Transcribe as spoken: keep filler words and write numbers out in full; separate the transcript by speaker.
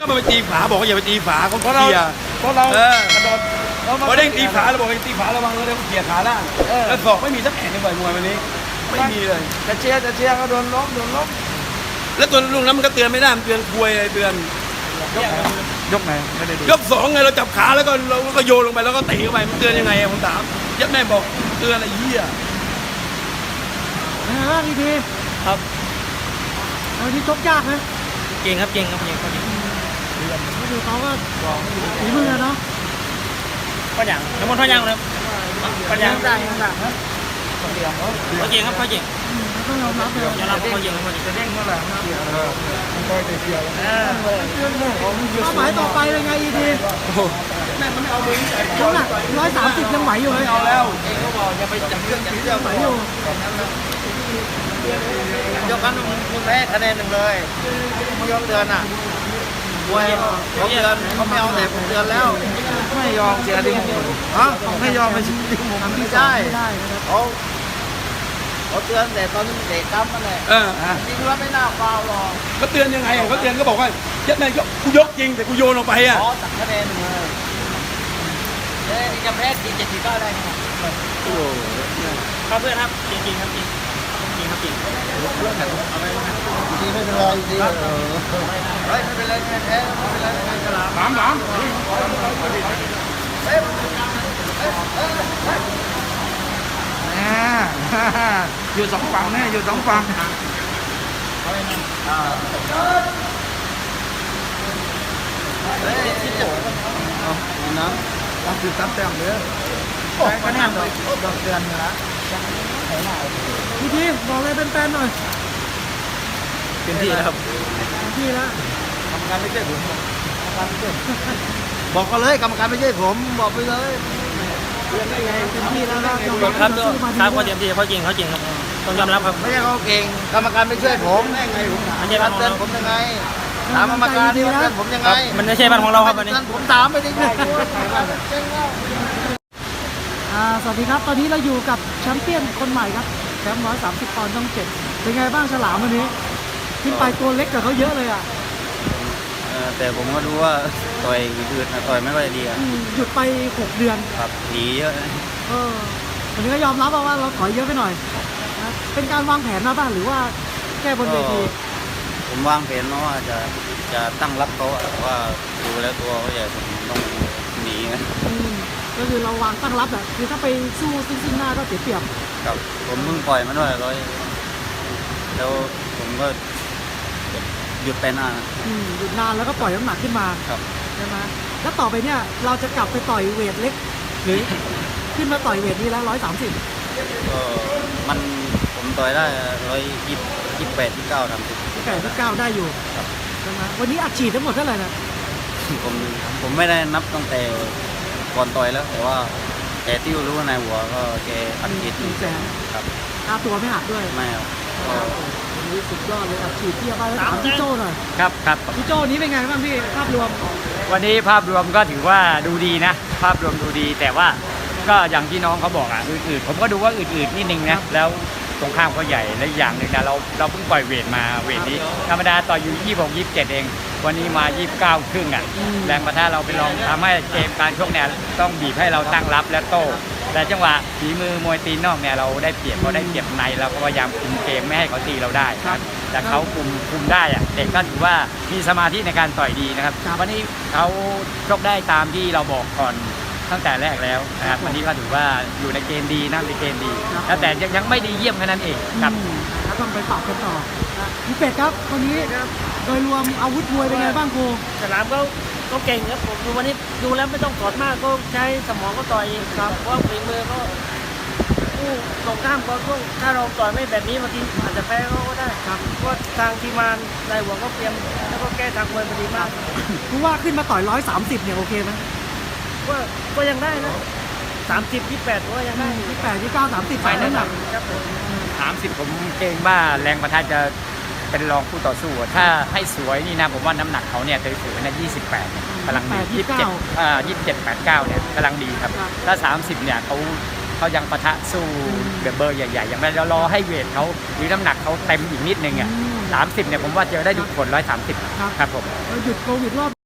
Speaker 1: ก็มาไปตีฝาบอกว่าอย่าไปตีฝาเขา
Speaker 2: เพราะเรา
Speaker 1: เขี่ย
Speaker 2: เพราะเรา
Speaker 1: เออ
Speaker 2: กระโดดเรามา
Speaker 1: พอเด้งตีฝาเราบอกให้ตีฝาระวังเลยเดี๋ยวเขี่ยขาล่าง
Speaker 2: เออ
Speaker 1: แล้วศอกไม่มีสักแห่งในบ่อยมวยวันนี้ไม่มีเลย
Speaker 2: จะเชียร์จะเชียร์ก็โดนล้มโดนล้ม
Speaker 1: แล้วตัวลุงนั้นมันก็เตือนไม่ได้มันเตือนควยอะไรเตือน
Speaker 2: ยกไหนไม่ได้ดู
Speaker 1: ยกสองไงเราจับขาแล้วก็เราก็โยนลงไปแล้วก็ตีเข้าไปมันเตือนยังไงอะผมถามยัดแม่บอกเตือนอะไรเหี้ย
Speaker 3: เป็นไงบ้างอีที
Speaker 4: ครับ
Speaker 3: วันนี้ชกยากนะ
Speaker 4: เก่งครับเก่งครับเก่งครับเก่ง
Speaker 3: ก็ดูเขาก็ฝีมือเนาะ
Speaker 4: ก็อย่างน้ำมันท่อยางเลยก็อย่าง
Speaker 3: ได้หนักนะ
Speaker 4: เขาเก่งครับเขาเก่ง
Speaker 3: อืมต้องยอมรับเลย
Speaker 4: ยอมรับเขาเก่งครับเขาเก่ง
Speaker 2: จะเด้งเมื่อไหร่นะเชียร์เลยมันก็จะเชียร์แล้ว
Speaker 3: เป้าหมายต่อไปเป็นไงอีที
Speaker 1: แม่มันไม่เอามือใส่
Speaker 3: น้ำหนักร้อยสามสิบยังไหวอยู่เลย
Speaker 1: เอาแล้ว
Speaker 4: เองเขาบอกอย่าไปจับเครื่องจับเครื่อง
Speaker 3: ไหวอยู่
Speaker 4: ยกกันมึงแพ้คะแนนหนึ่งเลยมึงยอมเตือนอ่ะมวยเขาเตือนเขาไม่เอาแต่ผมเตือนแล้ว
Speaker 2: ไม่ยอมเชียร์ดิ้งฮะไม่ยอมไปเชียร์ดิ้ง
Speaker 3: ทำที่
Speaker 4: ใช่
Speaker 3: ไม่ได้นะครับ
Speaker 4: เขาเขาเตือนแต่ตอนนี้เด็กตั้มนั่นแหละ
Speaker 1: เออ
Speaker 4: จริงแล้วไม่น่าฟาวหรอก
Speaker 1: เขาเตือนยังไงอะเขาเตือนก็บอกว่ายัดแม่ก็กูยกจริงแต่กูโยนลงไปอ่ะ
Speaker 4: ขอตัดคะแนนหนึ่งเลยเอ้ยจะแพ้กี่เจ็ดกี่เก้าได้ครับครับเพื่อนครับจริงจริงครับจริงจริงครับจริง
Speaker 2: ดีไม่เป็นไรดีเออ
Speaker 4: เฮ้ยไม่เป็นไรไม่แพ้ไม่เป็นไรไม่เป็นไรฉลาม
Speaker 1: ถามถาม
Speaker 2: อ่าอยู่สองฝั่งเนี่ยอยู่สองฝั่ง
Speaker 4: เฮ้ยที่จะ
Speaker 2: น้ำรับคือตัดแต้มเลย
Speaker 4: ใช้คะแนนดอกดอกเดือนนะ
Speaker 3: อีทีบอกเลยเป็นแฟนๆหน่อย
Speaker 4: เต็มที่แล้วครับ
Speaker 3: เต็มที่แล้ว
Speaker 4: กรรมการไม่ใช่ผมบอกกันเลยกรรมการไม่ใช่ผมบอกไปเลย
Speaker 3: เต็มที่แล้วก็ยอมรับ
Speaker 4: ครับ
Speaker 3: สู้มา
Speaker 4: ครับ
Speaker 3: ดี
Speaker 4: เขาเต็มที่เขาจริงเขาจริงครับต้องยอมรับครับไม่ใช่เขาเก่งกรรมการไม่ช่วยผมไม่ไงผมไม่ใช่บ้านเตือนผมยังไงถามกรรมการที่มันเตือนผมยังไงมันไม่ใช่บ้านของเราครับวันนี้ผมถามไปดิ
Speaker 3: อ่าสวัสดีครับ ตอนนี้เราอยู่กับแชมเปี้ยนคนใหม่ครับแชมป์ร้อยสามสิบปอนด์ช่องเจ็ดเป็นไงบ้างฉลามวันนี้ขึ้นไปตัวเล็กกว่าเขาเยอะเลยอ่ะ
Speaker 5: เออแต่ผมก็รู้ว่าต่อยอืดๆนะต่อยไม่ค่อยดีอะ
Speaker 3: อืมหยุดไปหกเดือน
Speaker 5: ครับหนีเยอะนะ
Speaker 3: เออวันนี้ก็ยอมรับว่าเราถอยเยอะไปหน่อยนะเป็นการวางแผนมาบ้างหรือว่าแก้บนเวที
Speaker 5: ผมวางแผนมาว่าจะจะตั้งรับเขาอะแต่ว่าดูแล้วตัวเขาใหญ่ผมต้องหนีนะ
Speaker 3: อืมก็คือเราวางตั้งรับอ่ะคือถ้าไปสู้ซึ่งซึ่งหน้าก็เสียเปรียบ
Speaker 5: ครับผมเพิ่งปล่อยมาด้วยร้อยแล้วผมก็หยุดไปนานนะ
Speaker 3: อืมหยุดนานแล้วก็ปล่อยน้ำหนักขึ้นมา
Speaker 5: ครับ
Speaker 3: ใช่ไหมแล้วต่อไปเนี่ยเราจะกลับไปต่อยเวทเล็ก หรือ ขึ้นมาต่อยเวทนี้แล้วร้อยสามสิบ
Speaker 5: ก็มันผมต่อยได้ร้อยยี่สิบแปดที่เก้าทำสิบ
Speaker 3: แปดที่เก้าได้อยู่
Speaker 5: ครับ
Speaker 3: ใช่ไหมวันนี้อัดฉีดทั้งหมดเท่าไหร่นะ
Speaker 5: ผมผมไม่ได้นับตั้งแต่ก่อนต่อยแล้ว แต่ว่าแกที่รู้ในหัวก็แกอัดฉีด
Speaker 3: หนึ่งแสน
Speaker 5: ครับ
Speaker 3: ค่าตัวไม่หักด้วย
Speaker 5: ไม่ครับก็
Speaker 3: วันนี้สุดยอดเลยอัดฉีดเทียบไปแล้วถามพี่โจ้หน่อย
Speaker 6: ครับครับ
Speaker 3: พี่โจ้นี้เป็นไงบ้างพี่ภาพรวม
Speaker 6: วันนี้ภาพรวมก็ถือว่าดูดีนะ ภาพรวมดูดี แต่ว่าก็อย่างที่น้องเขาบอกอ่ะอืดๆผมก็ดูว่าอืดๆนิดนึงนะแล้วตรงข้ามเขาใหญ่และอีกอย่างหนึ่งนะเราเราเพิ่งปล่อยเวทมาเวทนี้ธรรมดาต่ออยู่ยี่สิบหก ยี่สิบเจ็ดเอง วันนี้มายี่สิบเก้าครึ่งอ่ะแรงประทะเราไปลองทำให้เกมการชกเนี่ยต้องบีบให้เราตั้งรับและโต้แต่จังหวะฝีมือมวยตีนนอกเนี่ยเราได้เปรียบเพราะได้เปรียบในเราก็พยายามคุมเกมไม่ให้เขาตีเราได้นะครับแต่เขาคุมคุมได้อะเด็กก็ถือว่ามีสมาธิในการต่อยดีนะครับวันนี้เขาชกได้ตามที่เราบอกก่อนตั้งแต่แรกแล้วนะครับวันนี้ก็ถือว่าอยู่ในเกณฑ์ดีนะในเกณฑ์ดีแล้วแต่ยังยังไม่ดีเยี่ยมแค่นั้นเองครับ
Speaker 3: อืมแล้วต้องไปปรับกันต่อนะพี่เป็ดครับวันนี้โดยรวมอาวุธมวยเป็นไงบ้างครู
Speaker 7: ฉลามก็ก็เก่งครับผมดูวันนี้ดูแล้วไม่ต้องถอดมากก็ใช้สมองก็ต่อยครับเพราะว่าฝีมือก็ผู้ตรงข้ามก็ก็ถ้าเราต่อยไม่แบบนี้บางทีอาจจะแพ้เขาก็ได้ครับเพราะทางทีมงานนายหัวก็เตรียมแล้วก็แก้ทางมวยพอดีมาก
Speaker 3: ครูว่าขึ้นมาต่อยร้อยสามสิบเนี่ยโอเคไหม
Speaker 7: ก็ก็ยังได้นะสามสิบยี่แปดก็ยังได้
Speaker 3: ที่แปดที่เก้าสามสิบฝ่ายน้ำหนัก
Speaker 7: ครับผม
Speaker 6: สามสิบผมเกรงว่าแรงประทะจะเป็นรองคู่ต่อสู้อะถ้าให้สวยนี่นะผมว่าน้ำหนักเขาเนี่ยถือๆนะยี่สิบแปดกำลังดียี่สิบเจ็ดอ่ายี่สิบเจ็ดแปดเก้าเนี่ยกำลังดีครับถ้าสามสิบเนี่ยเขาเขายังปะทะสู้แบบเบอร์ใหญ่ๆอย่างไรเรารอให้เวทเขาหรือน้ำหนักเขาเต็มอีกนิดนึงอ่ะ
Speaker 3: อืม
Speaker 6: สามสิบเนี่ยผมว่าเจอได้ทุกคนร้อยสามสิบ
Speaker 3: ครับ
Speaker 6: ครับผม
Speaker 3: เราหยุดโควิดรอบ